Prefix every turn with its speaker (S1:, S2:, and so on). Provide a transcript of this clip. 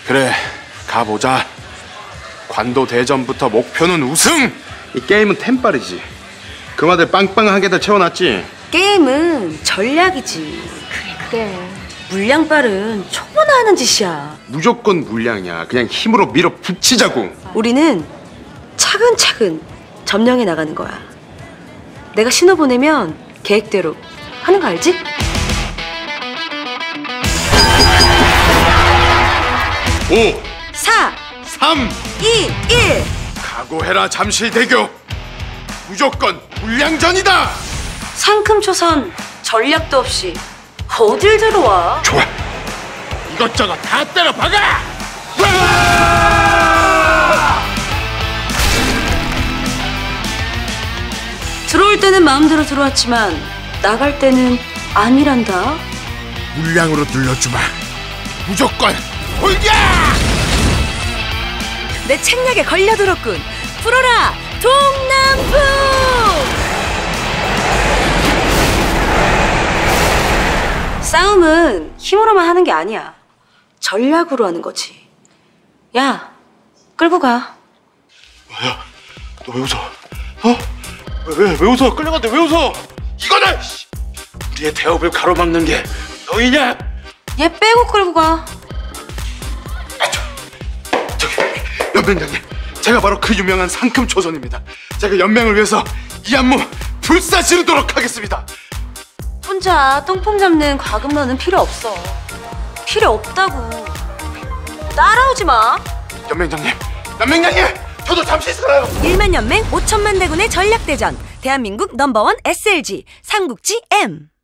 S1: 그래, 가보자. 관도 대전부터 목표는 우승! 이 게임은 템빨이지. 금화들 빵빵하게들 채워놨지.
S2: 게임은 전략이지. 그래. 물량빨은 초보나 하는 짓이야.
S1: 무조건 물량이야. 그냥 힘으로 밀어붙이자고.
S2: 우리는 차근차근 점령해 나가는 거야. 내가 신호 보내면 계획대로 하는 거 알지?
S1: 오,
S2: 4,
S1: 3,
S2: 2, 1.
S1: 각오해라 잠실대교. 무조건 물량전이다.
S2: 상큼초선 전략도 없이 어딜 들어와?
S1: 좋아, 이것저것 다 때려 박아.
S2: 들어올 때는 마음대로 들어왔지만 나갈 때는 아니란다.
S1: 물량으로 눌러주마. 무조건 돌격!
S2: 내 책략에 걸려들었군. 풀어라 동남풍! 싸움은 힘으로만 하는 게 아니야. 전략으로 하는 거지. 야, 끌고 가.
S1: 야, 너 왜 웃어? 어? 왜 웃어? 끌려갔는데 왜 웃어? 이거는 우리의 대업을 가로막는 게 너희냐?
S2: 얘 빼고 끌고 가.
S1: 저기 연맹장님, 제가 바로 그 유명한 상큼초선입니다. 제가 연맹을 위해서 이 안무 불사지르도록 하겠습니다.
S2: 혼자 똥폼 잡는 과금러는 필요 없어. 필요 없다고. 따라오지 마.
S1: 연맹장님, 저도 잠시 있어요.
S2: 1만 연맹 5천만 대군의 전략대전. 대한민국 넘버원 SLG 삼국지 M.